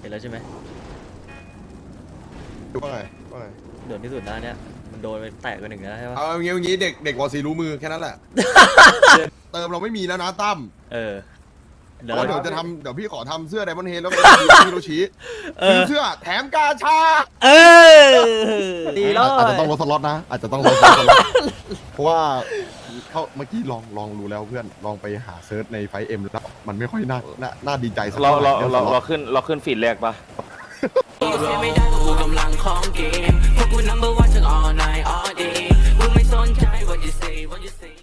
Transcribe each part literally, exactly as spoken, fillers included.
นแล้วใช่ไหมว่าไงว่าไงโดนที่สุดนะเนี่ยมันโดนไปแตกไปหนึ่งแล้วใช่ปะเอาอย่างงี้อย่างงี้เด็กเด็กวอซีรู้มือแค่นั้นแหละ เติมเราไม่มีแล้วนะตั้มเออเดี๋เพราะว่ายวเราเดี๋ยวจะทำเดี๋ยวพี่ขอทำเสื้อไดมอนเฮดแล้วก็ฮิโรชิเอซื้ออเสื้อแถมกาชาเออดีแล้วอาจจะต้องลดสล็อตนะอาจจะต้องลดสล็อตเพราะว่าเขาเมื่อกี้ลองลองรู้แล้วเพื่อนลองไปหาเซิร์ชในไฟเอ็มแล้วมันไม่ค่อยน่าน่าน่าดีใจสักเราเท่าไหเราร่เราเราขึ้นเราขึ้นฟีดแรกปะไม่ได้กูกำลังของเกมพวกกู number one ทั้ง all night all day มึงไม่สนใจ what you say what you say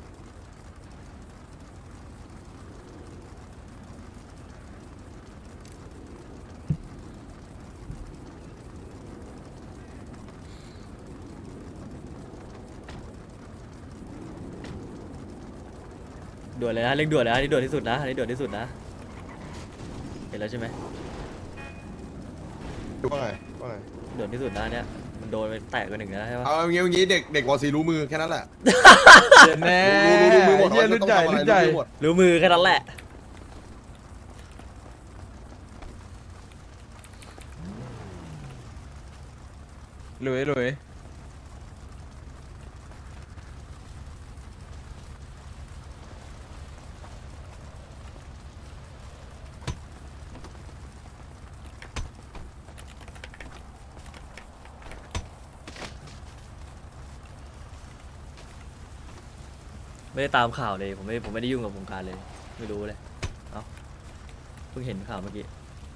ด่วนเลยนะเร่งด่วนเลยนะอันนี่ด่วนที่สุดนะอันนี้ด่วนที่สุดนะเห็นแล้วใช่ไหมว่าไงว่าไงด่วนที่สุดนะเนี่ยมันโดนไปแตกไปหนึ่งแล้วใช่ปะเอาอย่างงี้อย่างงี้เด็กเด็กวอซีรู้มือแค่นั้นแหละเดี๋ยวแน่รู้รู้รู้มือหมดเยี่ยรุ่นใหญ่รุ่นใหญ่รู้มือหมดรู้มือแค่นั้นแหละหลุยหลุยไม่ได้ตามข่าวเลยผมไม่ผมไม่ได้ยุ่งกับวงการเลยไม่รู้เลยเอ้าเพิ่งเห็นข่าวเมื่อกี้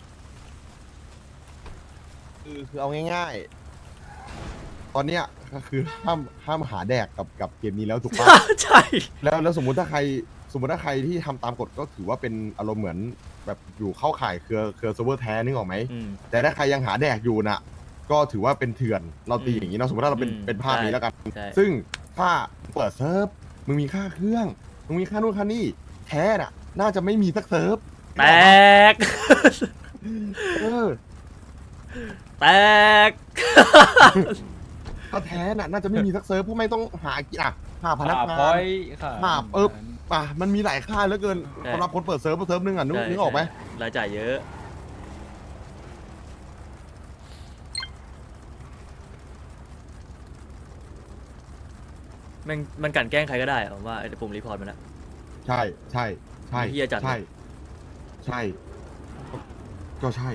คือคือเอาง่ายๆ ตอนเนี้ยก็คือห้ามห้ามหาแดกกับกับเกมนี้แล้วถูกปะใช่แล้วแล้วสมมุติถ้าใครสมมติถ้าใครที่ทำตามกฎก็ถือว่าเป็นอารมณ์เหมือนแบบอยู่เข้าข่ายเครือเครือเซิร์ฟเวอร์แท้นึกออกไหมอืมแต่ถ้าใครยังหาแดกอยู่น่ะ ก็ถือว่าเป็นเถื่อนเราตีอืมอย่างนี้เนาะสมมติถ้าเราเป็นอืมเป็นภาพนี้ใช่แล้วกันใช่ซึ่งถ้าเปิดเซิร์ฟมึงมีค่าเครื่องมึงมีค่านู่นค่านี่แท้น่ะ น่าจะไม่มีสักเซิร์ฟแตกเออแตกถ้าแท้น่ะน่าจะไม่มีสักเซิร์ฟเพราะไม่ต้องหากี่อ่ะหาพนักขาพงาอน ยขาหาเออป่ะมันมีหลายค่ายเหลือเกินใช่สำหรับคนเปิดเซิร์ฟเซิร์ฟนึงอ่ะนึกใช่นึกออกไหมรายจ่ายเยอะมันมันกลั่นแกล้งใครก็ได้อะผมว่าไอ้ปุ่มรีพอร์ตมันอะใช่ใช่ใช่เหี้ยจัดเลยใช่ใช่ก็ใช่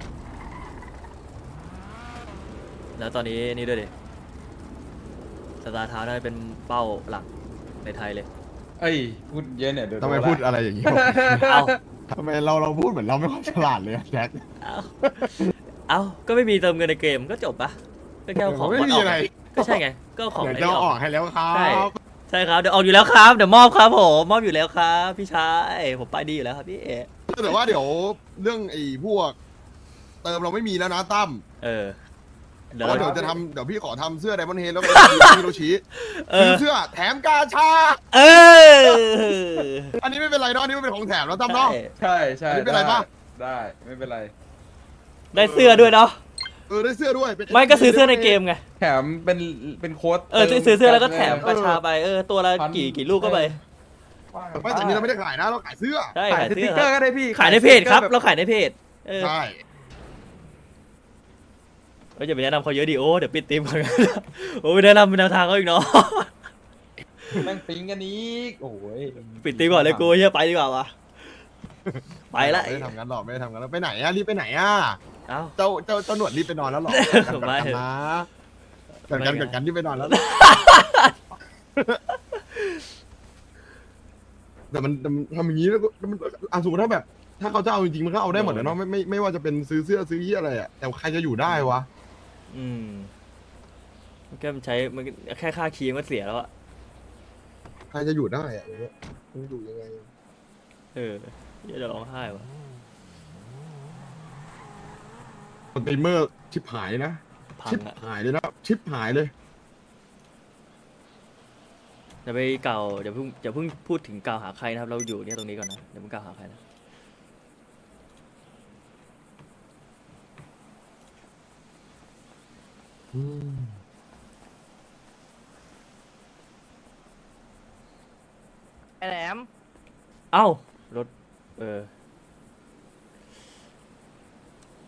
แล้วตอนนี้นี่ด้วยดิสตาร์ทาวน์น่าจะเป็นเป้าหลักในไทยเลยเอ้ยพูดเยอะเนี่ยเดี๋ยวทำไมโนละพูดอะไรอย่างนี้เอาทำไมเราเราพูดเหมือนเราไม่ค่อยฉลาดเลยอะแจ็คเอาเอาก็ไม่มีเติมเงินในเกมก็จบปะก็แค่เอาของไม่มีอะไรก็ใช่ไงก็เอาของเดี๋ยวไอ้จะนี่เอาออออก กให้แล้วครัใช่บใช่ครับเดี๋ยวออกอยู่แล้วครับเดี๋ยวมอบครับผมมอบอยู่แล้วครับพี่ชายผมไปดีอยู่แล้วครับพี่แต่ว่าเดี๋ยวเรื่องไอ้พวก เติมเราไม่มีแล้วนะตั้มเออเพเดี๋ยวราะเราเดี๋ยวจะทำเดี๋ยวพี่ขอทำเสื้อไดมอนเฮดแล้วก็ฮิโรชิเอซื้ออเสื้อแถมกาชาเอออันนี้ไม่เป็นไรเนาะอันนี้ไม่เป็นของแถมแล้วตั้มเนาะใช่ใช่ใช่อันนี้เป็นไรปะได้ไม่เป็นไรได้เสื้อด้วยเนาะเออได้เสื้อด้วยเป็นไม่ก็ซื้อเสื้อในเกมไงแถมเป็นเป็นโค้ดเออซื้อซื้อเสื้อแล้วก็แถมกเอระอชาไปเออตัวละพันกี่กี่ลูกก็ไปไม่แต่อันนี้เราไม่ได้ขายนะเราขายเสื้อใช่ขายขายสเสื้ติ๊อกเกอคร์รับก็ได้พี่ขายในเพจครับสติ๊กกอเราขายในเพจเออใช่เราจะไปแนะนำเขาเยอะดิโอ้เดี๋ยวปิดทีมก่อน โอ้ไปแนะนำเป็นแนวทางเขาอีกเนาะแม่งปิ๊งกันอีกโอ้ยปิดทีมก่อนเลยกูเฮียไปดีกว่าวะไปละไม่ได้ทำงานหรอกไม่ได้ทำงานแล้วไปไหนอะรีบไปไหนอะเอ้าเจ้าเจ้าเจ้าหนวดรีบไปนอนแล้วหรอไม่กันนะกันกันกันกันรีบไปนอนแล้ว แต่มันแต่มันทำอย่างนี้แล้วก็มันอ่ะสมมติถ้าแบบ ถ้าเขาจะเอาจริงๆมันก็เอาได้หมดเลยเนาะไม่ไม่ไม่ว่าจะเป็นซื้อเสื้อซื้อยี่อะไรอะแต่ใครจะอยู่ได้วะอืมมันก็มันใช้มันแค่ค่าคีย์มันก็เสียแล้วอะใครจะอยู่ได้อะอย่างเงี้ยมันอยู่ยังไงเออเหี้ยจะร้องไห้วะสตรีมเมอร์ชิปหายนะพังชิปอะหายเลยนะชิปหายเลยอย่าไปเก่าอย่าเพิ่งอย่าเพิ่งพูดถึงกล่าวหาใครนะครับ เราอยู่เนี่ยตรงนี้ก่อนนะอย่าเพิ่งกล่าวหาใครนะไอ้แหลมเอ้ารถเออ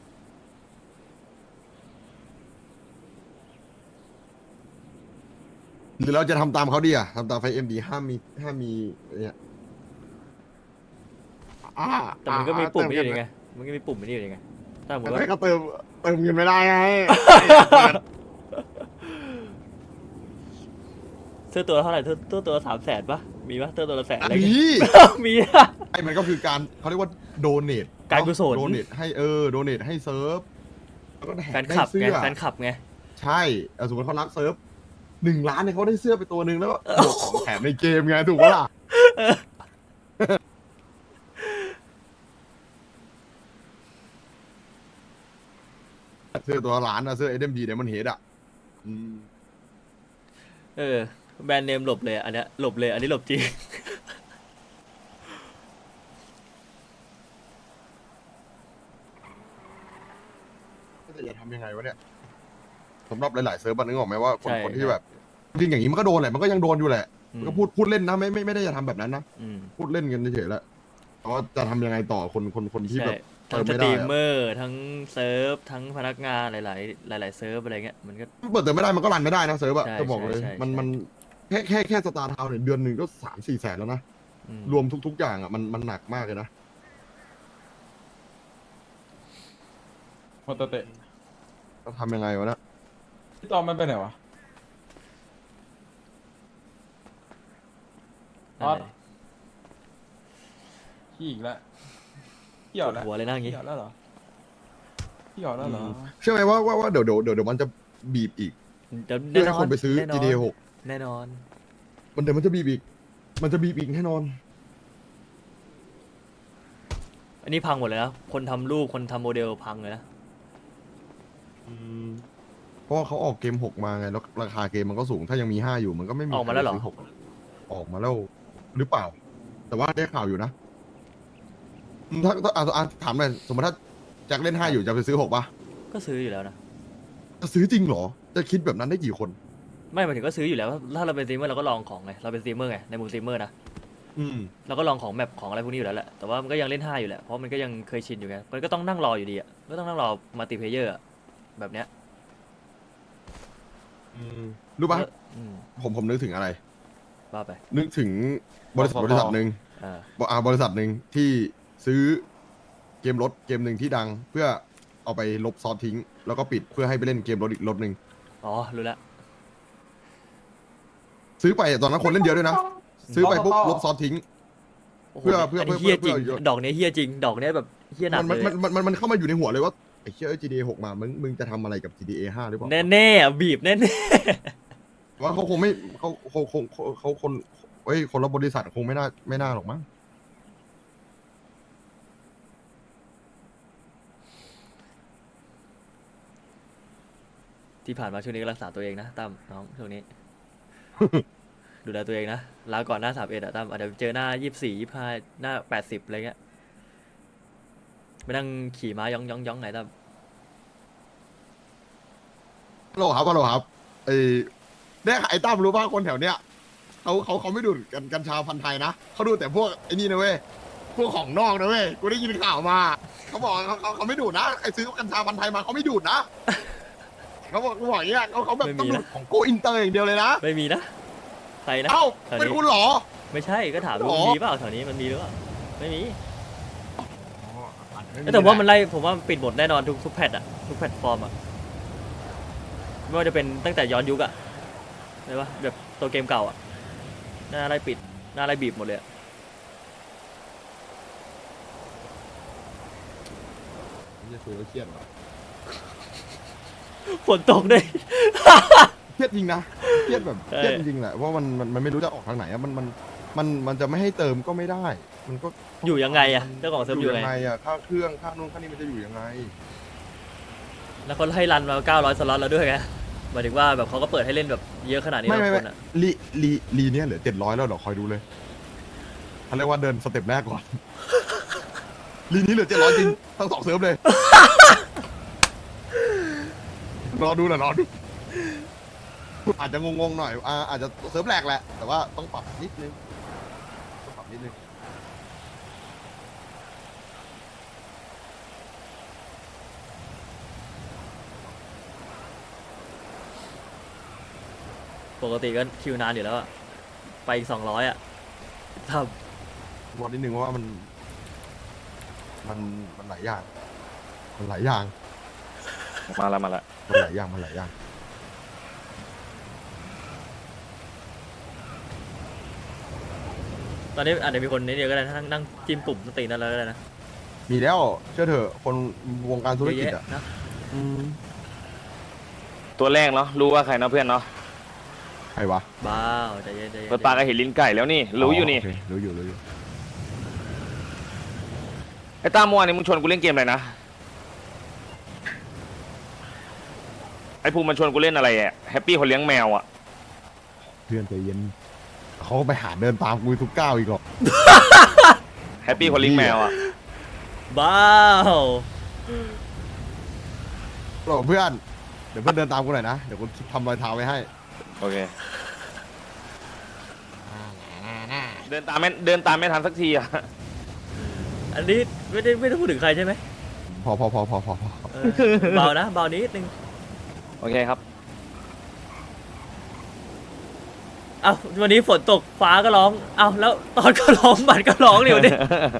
หรือเราจะทำตามเขาดีอะทำตามไฟเอ็มดีห้ามมีห้ามมีเนี่ยอ่าแต่มันก็มีปุ่มนี่เติอยู่เงิไงมันก็มีปุ่มนี่อยู่ไงถ้าสมมติไม่ว่าก็เติมเติมเงินไม่ได้ไงเสื้อตัวเท่าไหร่เสื้อเสื้อตัวสามแสนปะมีปะเสื้อตัวละแสนอะไรมีเงี้ย มีอะไอ้มันก็คือการเขาเรียกว่าโดเนทการกุศลโดเนทให้เออโดเนทให้เซิร์ฟแล้วก็แฟนคลับได้ไงเสื้อแฟนคลับไงใช่เอาสมมติเขารักเซิร์ฟหนึ่งล้านเนี่ยเขาได้เสื้อไปตัวหนึ่งแล้วก็บวกของแถมในเกมไงถูกปะล่ะเสื้อตัวล้านอะเสื้อเอ็มดีเนี่ยมันเฮดอะอืมเออแบรนด์เนมหลบเลยอะอันเนี้ยหลบเลยอันนี้หลบจริงแต่จะทำยังไงวะเนี่ยสำหรับหลายๆเซิร์ฟมันนึกออกไหมว่าคนใช่คนที่แบบจริงอย่างนี้มันก็โดนแหละมันก็ยังโดนอยู่แหละอืมมันก็พูดพูดเล่นนะไม่ไม่ไม่ได้จะทำแบบนั้นนะอืมพูดเล่นกันเฉยๆแล้วแต่ว่าจะทำยังไงต่อคนคนคนที่ใช่แบบทั้งเติสมตรีไม่ได้มเมอะอร์ทั้งเซิร์ฟทั้งพนักงานหลาย ๆ หลาย ๆ เซิร์ฟอะไรเงี้ยมันก็เปิดเติมไม่ได้มันก็รันไม่ได้นะเซิร์ฟอะใช่จะบอกเลยใช่ใช่มันใช่มันแค่แค่แค่สตาร์ทาวน์เนี่ยเดือนหนึ่งก็สามสี่แสนแล้วนะอืมรวมทุก ๆ อย่างอะมันมันหนักมากเลยนะโมโตเตะจะทำยังไงวะเนะพี่ตอมมันไปไหนวะนั่นแหละขี้อีกแล้วขี้หยอดแล้วปวดหัวเลยนะอย่างงี้ขี้หยอดแล้วเหรอขี้หยอดแล้วเหรอเชื่อไหมว่าว่าว่าเดี๋ยวเดี๋ยวเดี๋ยวเดี๋ยวมันจะบีบอีกเดี๋ยวเพื่แน่อให้นอคน นไปซื้อแน่นอนจี ดี เอ หกแน่นอนมันเดี๋ยวมันจะบีบอีก มันจะบีบอีกแน่นอนอันนี้พังหมดเลยนะคนทำรูปคนทำโมเดลพังเลยนะเพราะว่าเขาออกเกมหกมาไงแล้วราคาเกมมันก็สูงถ้ายังมีห้าอยู่มันก็ไม่มีออกมาแล้วเหรอใคซื้หกออกมาแล้วหรือเปล่า แต่ว่าได้ข่าวอยู่นะอืมถ้าถ้าอ่ะอ่ะถามหน่อยสมมติถ้าแจ็คเล่นห้าอยู่จะไปซื้อหกปะก็ซื้ออยู่แล้วนะจะซื้อจริงเหรอ จะคิดแบบนั้นได้กี่คนไม่หมายถึงก็ซื้ออยู่แล้วถ้าเราเป็นสตรีมเมอร์เราก็ลองของไงเราเป็นสตรีมเมอร์ไงในมุมสตรีมเมอร์นะอืมเราก็ลองของแมปของอะไรพวกนี้อยู่แล้วแหละแต่ว่ามันก็ยังเล่นห้าอยู่แหละเพราะมันก็ยังเคยชินอยู่ไงมันก็ต้องนั่งรออยู่ดีอ่ะก็ต้องนั่งรอมัลติเพลเยอร์แบบเนี้ยรู้ปะอืมผมผมนึกถึงอะไรว่าไปนึกถึงบริษัทบริษัทหนึ่งอ่าบอ่าบริษัทหนึ่งที่ซื้อเกมรถเกมหนึ่งที่ดัง เพื่อเอาไปลบซอสทิ้ง แล้วก็ปิดเพื่อให้ไปเล่นเกมรถอีกรถหนึ่งอ๋อรู้แล้วซื้อไปตอนนั้นคนเล่นเยอะด้วยนะ ซื้อไปปุ๊บลบซอสทิ้งโอ้โหเพื่อเพื่ออันนี้เพื่อเฮี้ยจริงเพื่อดอกเนี้ยเฮี้ยจริงดอกเนี้ยแบบเฮี้ยหนักมันเลมันยมันมันมันเข้ามาอยู่ในหัวเลยว่าไอ้เชี่ย จี ดี เอ หกมามึงมึงจะทำอะไรกับ จี ดี เอ ห้าหรือเปล่าแน่แน่ๆอ่ะบีบแน่แน่ว่าเขาคงไม่เขาเขาคงเขาเขาคนเฮ้ยคนละบริษัทคงไม่น่าไม่น่าหรอกมั้งๆที่ผ่านมาช่วงนี้ก็รักษาตัวเองนะตั้มน้องช่วงนี้ ดูแลตัวเองนะลาก่อนหน้าสามเอ็ดอะตั้มอาจจะเจอหน้ายี่สิบสี่ยี่ห้าหน้าแปดสิบอะไรเงี้ยไม่นั่งขี่ม้าย่องย่องย่องไหนตั้มฮัลโหลครับฮัลโหลครับไอ้เนี่ยไอ้ตั้มรู้ป่ะคนแถวเนี้ยเขาเขาเขาไม่ดูดกันกัญชาพันธุ์ไทยนะเขาดูแต่พวกไอ้นี่นะเว้ยพวกของนอกนะเว้ยกูได้ยินข่าวมาเขาบอกเขาเขาเขาไม่ดูดนะไอ้ซื้อกัญชาพันธุ์ไทยมาเขาไม่ดูดนะเขาบอกเขาบอกอย่างเงี้ยเขาเขาแบบต้องดูดของโกอินเตอร์อย่างเดียวเลยนะไม่มีนะใครนะเอ้าแถวนี้เป็นคุณเหรอไม่ใช่ก็ถามดูหรอมันมีเปล่าแถวนี้มันมีหรือเปล่าไม่มีไม่มีแต่ว่ามันแหละไล่ผมว่ามันปิดหมดแน่นอนทุกทุกแพทอะทุกแพลตฟอร์มอะไม่ว่าจะเป็นตั้งแต่ย้อนยุคอะใช่ปะแบบตัวเกมเก่าอะหน้าไล่ปิดหน้าไล่บีบหมดเลยอะจะคุยแล้วเครียดเหรอฝนตกด้วยเครียดจริงนะเครียดแบบใช่เครียดจริงๆแหละเพราะมันมันมันไม่รู้จะออกทางไหนอะมันมันมันมันจะไม่ให้เติมก็ไม่ได้ มันก็อยู่ยังไงอะเจ้าของเซิร์ฟอยู่ยังไงอะค่าเครื่องค่านู่นค่านี่มันจะอยู่ยังไงแล้วเขาให้รันมาเก้าร้อยสล็อตแล้วด้วยไงหมายถึงว่าแบบเขาก็เปิดให้เล่นแบบเยอะขนาดนี้ไม่บาไม่งคไม่นอะลีลีลีเนี้ยเหลือเจ็ดร้อยแล้วเดี๋ยวคอยดูเลยเขาเรียกว่าเดินสเต็ปแรกก่อน ลีนี้เหลือเจ็ดร้อยจริงทั้งสองเซิร์ฟเลย รอดูนะรอดูอาจจะงงๆหน่อยอ่าอาจจะเซิร์ฟแรกแหละ แต่ว่าต้องปรับนิดนึงต้องปรับนิดนึงปกติก็คิวนานอยู่แล้วอะไปอีกสองร้อยอะทบอกนิดนึงว่ามัน มันมันหลายอย่าง มันหลายอย่างมาแล้วมาแล้วมันหลายอย่างมันหลายอย่างำตอนนี้อาจจะมีคนนี้เดียวก็ได้นะนั่งนั่งจิ้มปุ่มสตรีนนั่นแล้วก็ได้นะมีแล้วเชื่อเถอะคนวงการธุรกิจเยอ่ะอะๆนะอืมตัวแรกเนาะรู้ว่าใครเนาะเพื่อนเนาะใครวะบ้าวใจเย็นใจเย็นเปิดปากก็เห็นลิ้นไก่แล้วนี่รู้อยู่นี่โเครู้อยู่รู้อยู่ไอ้ตามเมื่อวานนี้มึงชวนกูเล่นเกมอะไรนะไอ้ภูมิมันชวนกูเล่นอะไรอะแฮปปี้คนเลี้ยงแมวอะเพื่อนใจเย็นเขาก็ไปหาเดินตามกูทุกก้าวอีกหรอกแฮปปี้คนเลี้ยงแมวอะบ้าวหรอกเพื่อนเดี๋ยวเพื่อนเดินตามกูหน่อยนะเดี๋ยวกูทำรอยเท้าไว้ให้โอเคเดินตามไม่เดินตามไม่ทันสักทีอะอันนี้ไม่ได้ไม่ได้พูดถึงใครใช่ไหมพอพอพอพอพอพอเออเบานะเบานิดนึงโอเคครับเอ้าวันนี้ฝนตกฟ้าก็ร้องเอ้าแล้วตอนก็ร้องบัตรก็ร้องเดี๋ยวนี้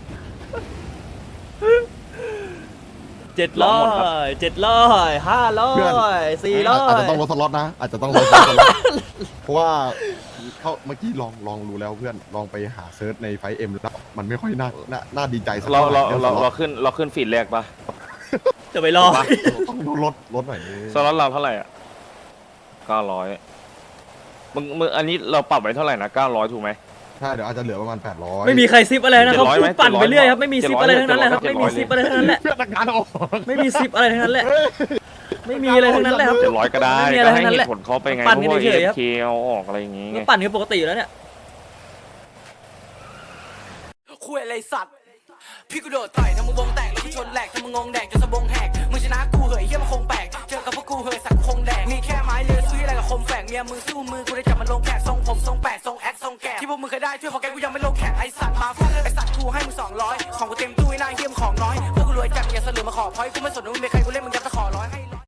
เจ็ดร้อยเจ็ดร้อยห้าร้อยสี่ร้ออาจยจะต้องลดสล็อตนะอาจจะต้องลดสล็อตเพราะว่าเขาเมื่อกี้ลองลองรู้แล้วเพื่อนลองไปหาเซิร์ชในไฟเอ็มแล้วมันไม่ค่อยน่าน่าน่าดีใจสักเราเท่าไหเราร่เราสล็เราอตขึ้นเราขึ้นฟีดแรกปะจะไปรอต้องลดลดหน่อยนึงสล็อตเราเท่าไหร่อ่ะเก้าร้อยมึงมึงอันนี้เราปรับไว้เท่าไหร่นะเก้าร้อยถูกไหมใช่เดี๋ยวอาจจะเหลือประมาณแปดร้อยไม่มีใครซิปอะไรนะครับเจ็ดร้อยพูไหมดปั่นไปเรื่อยครับเจ็ดร้อยไม่มีซิปอะไรทั้งนั้นแหละครับเจ็ดไม่ร้มีอยซิปอะไรทั้งนั้นแหละเพื่อนการออกไม่มีซิปอะไรทั้งนั้นแหละไม่มีอะไรทั้งนั้นแหละครับเจ็ดร้อยก็ได้ไม่มีอะไรก็ให้ทั้งนั้นเหแหละตุผลเขาไปไงปั่นเพกันราะว่าเฉเอยๆครับเคเอาออกอะไรอย่างงี้ไงก็ปั่นกันปกติอยู่แล้วเนี่ยคุยอะไรสัตว์พี่กูโดดต่อยทำมึงวงแตกแล้วกูชนแหลกทำมึงงงแดกจนสะบงแหกมึงชนะกูเหยเฮียมันคงแปลกเจอกับพวกกูเหยสักคงแดกมีแค่ไม้เลือซื้ออะไรกับคมแฝกเมียมึงสู้มือกูได้จับมันลงแขกทรงผมทรงแปดทรงแอคทรงแกะที่พวกมึงเคยได้ช่วยของแกกูยังไม่ลงแขกไอสัตว์มาฟาดไอสัตว์กูให้มึงสองร้อยของกูเต็มตู้ไอ้นายเฮียมของน้อยพวกกูรวยจัดอย่าเสลือมาขอพอยกูไม่สนว่ามึงเป็นใครกูเล่นมึงยัดตะขอร้อยให้